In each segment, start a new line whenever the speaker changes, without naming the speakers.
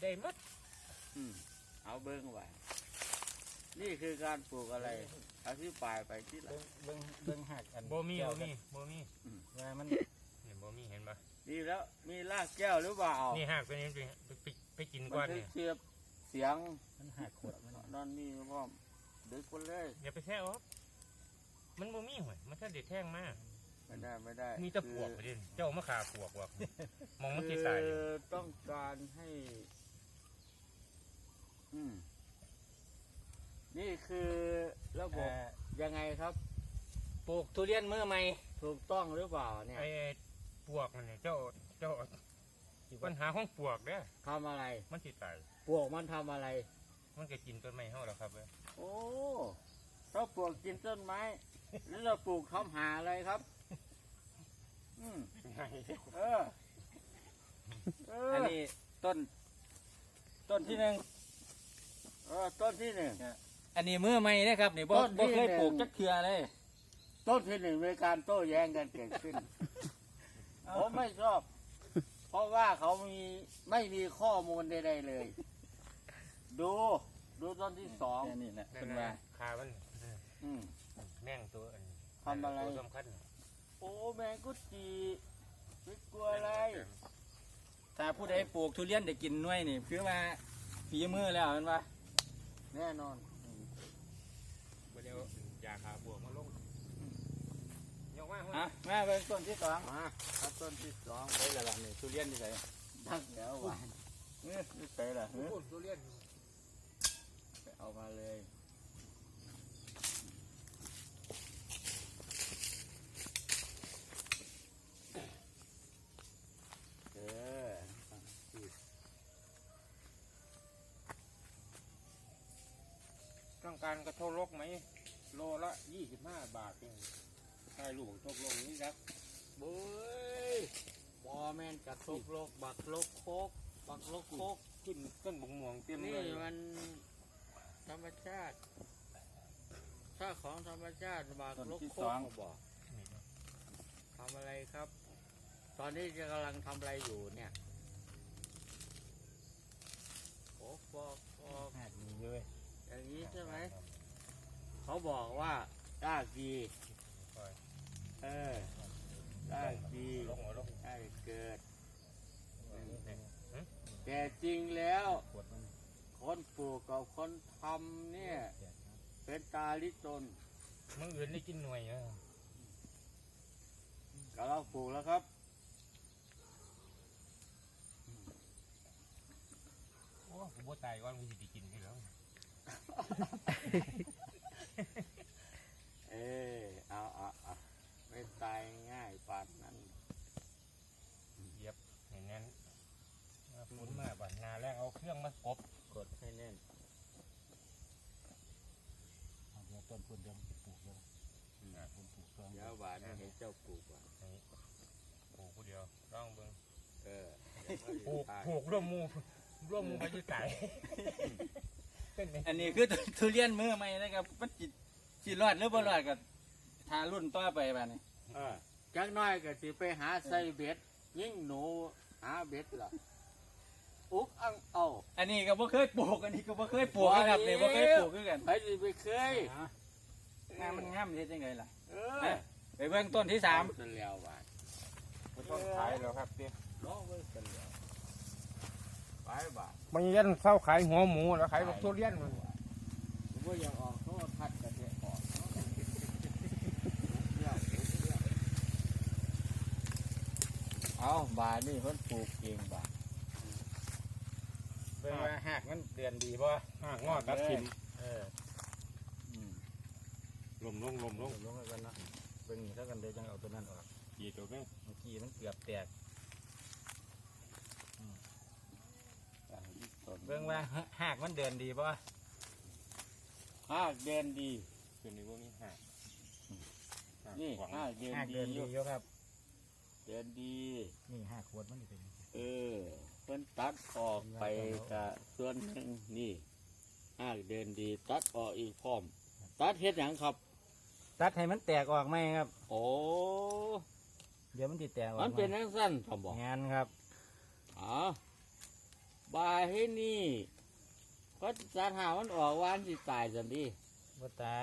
ได้หมด
เอาเบิ้งไว้นี่คือการปลูกอะไรอธิบายไปที่ละ
เบิ่งหักอัน
บ่มีว่า
มัน
นี่บ่มีเห็นปะ
นี่แล้วมีรากแก้วหรือเปล่า
นี่หักไปนี่ไปกินก้อนเนี่ย
เสียบเสียง
มันหักขวดมัน
นอนนี่พ่อดึกคนเลย
อย่าไปแท้ออกมันบ่มีหวยมันแค่เด็ดแท่งมาก
ไม่ได้
มีตะปวกประเด็นเจ้ามาขาปวกว่ะมองมันที่ใส่
ต้องการให้นี่คือระบบยังไงครับ
ปลูกทุเรียนมือใหม่
ถูกต้องหรือเปล่าเนี่ย
ไอ้ปวกมันเนี่ยเจ้าปัญหาของปวกเนี่ย
ทำอะไร
มันที่ใส่
ปวกมันทำอะไร
มันก็กินต้นไม้เฮาแล้วครับ
โอ้ถ้าปลวกกินต้นไม้แล้วเราปลูกทำหาอะไรครับ
อันนี้ต้นที่หนึ่ง
ต้นที่หนึ่ง
อันนี้มือใหม่นะครับนี่บ่เคยปลูกจักเทื่อเลย
ต้นที่หนึ่งมีการโต้แย้งกันเกิดขึ้นผมไม่ชอบเพราะว่าเขาไม่มีข้อมูลใดๆเลยดูต้นที่สอง
นี่นะเป็นว่า
ขามันแม่งตัว
ทำอะไร
สำคัญ
โอ้แมงกุจีไม่กลัวอะไร
ถ้าผู้ใดปลูกทุเรียนได้กินหน่วยนี่คือว่าฝีมือแล้วเป็นว่า
แน่นอน
เดี๋ยวยาขาบวกมาลงยกมา
แม่เป็นต้นที่สอง
ครับต้นที่สอง
ไปละนี่ทุเรียนที่ไหน
ดังแล้วหวาน
นี่ไปละ
ทุเรียน
ไปเอามาเลย
ต้องการกระทงลกไหมโลละ25 บาทเองใช่ลูกทกลกนี่ครับ
บุ้ยบอแมนกระทกลกบักลกโคกบักลกโคก
ขึ้นต้นบุ๋งม่วงเต็ม
เลยนี่มันธรรมชาติถ้าของธรรมชาติบักลกโคกบอกทำอะไรครับ ตอนนี้จะกำลังทำอะไรอยู่เนี่ยโอ้ฟอก
มีเยอะ
อย่างนี้ใช่ไหมเขาบอกว่าได้ดีได้ดีได้เกิดแต่จริงแล้วคนปลูกกับคนทำเนี่ยเป็นตาลิตน
มึงอื่นได้กินหน่วย
ก็เราปลูกแล้วครับ
โอ้ผมบ่ตายก่อนกูจะกินให้แล้ว
เอาไม่ตายง่ายปานนั้น
เย็บอย่างนั้นฝนมาบ้านนาแล้วเอาเครื่องมากด
ให้แน่น
เดี๋ยวต้นเดี๋ยวปลูกเลย
ผมปลูกเดี๋ยวหวานให้เจ้าปลูกว่ะ
ปลูกคนเดียวร่องเบิ้งปลูกร่วมมูไปที่ไก่
อันนี้คือทุเรียนมือใหม่นะครับมันจิรอดหรือบ่รอดกับทารุ่นต่อไปบ้านี้
จักน้อยก็สิไปหาใส่เบ็ดยิ่งหนูหาเบ็ดล่ะอุ๊กอังเอา
อันนี้ก็บ่เคยปลูกอันนี้ก็บ่เคยปลูกนะครับเนี่ยบ่เคยปลูกคือกัน
ไปสิไปเคย
งามมันงามเฮ็ดจังไงล่ะไปเบิ่งต้นที่3
แล้วว่า
ต้นขายแล้วครับเนี่ย
น้องเบิ่งกันแล้วไปบ่า
มันยันเศร้าขายหัวหมูแล้วขายลูกทุเรียนมัน
ผมอยากออกเขาทัดกระเทียมออกเอาบานี่เพิ่นปลูกเองบา
เป็นว่าหากมันเดือนดีป่ะ
หากงอตัดทิมลมลง
กันนะเป็นอย่างนี้ถ้ากันเดี๋ยวจังเอาตัวนั้นออก
กี่ตัวไหม
เมื่อกี้มันเกือบแตกเบิ่งว่าหากมันเดือนดีป่ะ
หากเดือนดี
คืนนี้พวกนี้หาก
นี่หากเดือนดี
เยอะครับ
เดือนดี
นี่หากขวดมันเป็น
เพิ่นตัดออกไปกับส่วนหนึ่งนี่หากเดือนดีตัดออกอีกพร้อมตัดเฮ็ดหยังครับ
ตัดให้มันแตกออกไหมครับ
โอ้
เดี๋ยวมันติดแตกออก
มันเป็นสั้นๆผมบอก
งานครับ
บายให้นี่ก็สารหามันออกวานสิตายสันดี
บ่ตาย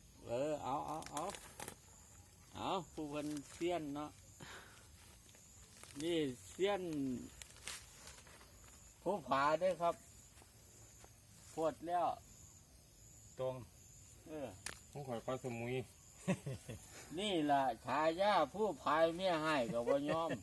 เอาผู้คนเสี้ยนเนาะนี่เสี้ยนผู้ผาด้วยครับปวดแล้ว
ตรง
ผมขอก้อนสมุย
นี่ล่ะฉายาผู้พายเมียให้กับว่ยอม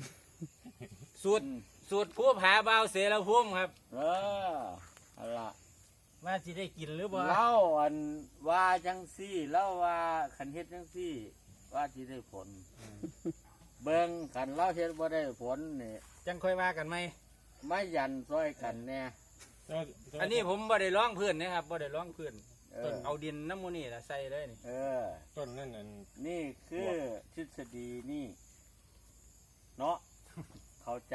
สูตรผู้ผาเบาเสรภูมิครับ
เอาล่ะ
ว่าสิได้กินหรือบ่
เล่าอันว่าจังซี่เล่าว่าขันเฮ็ดจังซี่ ว่าที่ได้ผล เบิ่งขันเล่าเฮ็ดบ่ได้ผลนี่
จังค่อยว่ากันไหม
ไม่ยันซอยกันแน่
อันนี้ผมบ่ได้ร้องพื้นนะครับบ่ได้ร้องพื้น
เออ
เอาดินน้ำมูนี่ละใส่เลยนี่
ต้นนั่น
นี่คือทฤษฎีนี่ เนาะ เข้าใจ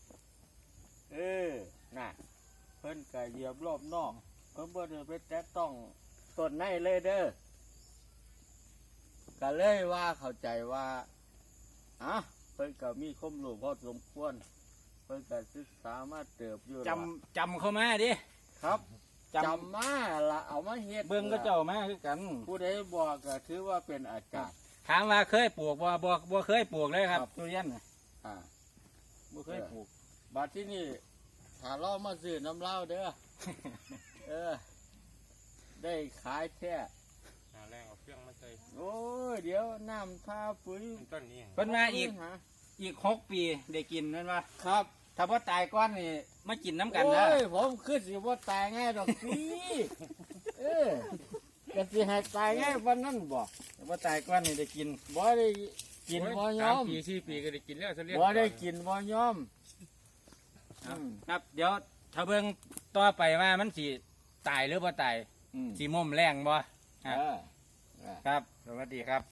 น่ะ เพิ่นก็เหยียบรอบนอก เพิ่นบ่ได้ไปแตะต้องต้นในเลยเด้อก็เลยว่าเข้าใจว่าเพิ่นก็มีความรู้พอสมควร เพิ่นก็ศึกษามาเติบอยู่
จำเข้ามาดิ
ครับ
จ
จำมาละเอามาเฮ็ด
ำเบิ่งก็เจ้ามาคือกัน
ผู้ใดบอกก็ถือว่าเป็นอาจารย์
ถามว่าเคยปลูกบ่เคยปลูกเลยครับ
ครับ
ทุเรียนน่ะ
อ่า
บ่เคยปลูก
บัดที่นี่ถ้าเรามาซื้อน้ำเหล้าเด้อ ได้ขายแท้
หาแรงเอาเครื่องมาใส่
โอ้ย เดี๋ยวน้ำทาปุ๋ย
ต้นนี้
เพิ่นมาอีก
หา
อีก6 ปีได้กินนั่นว่า
ครับ
ถ้าบ่ตายก่อนนี่มากินน้ำกัน
โอ้
นะ
ย ผมคือสิว่าตายง่ายดอกสิก็สิให้ตายง่ายวันนั้นบ่
ถ้าบ่ตายก่อนนี่ได้กิน
บ่ได้กินบ่ยอม
3 ปี 4 ปีก็ได้กินแล้วเสลีย
บ่ได้กินบ่ยอม
ครับ เดี๋ยวถ้าเบิ่งต่อไปว่ามันสิตายหรือบ่ตาย
อืม
สิม่มแรงบ่
เออ
ครับ สวัสดีครับ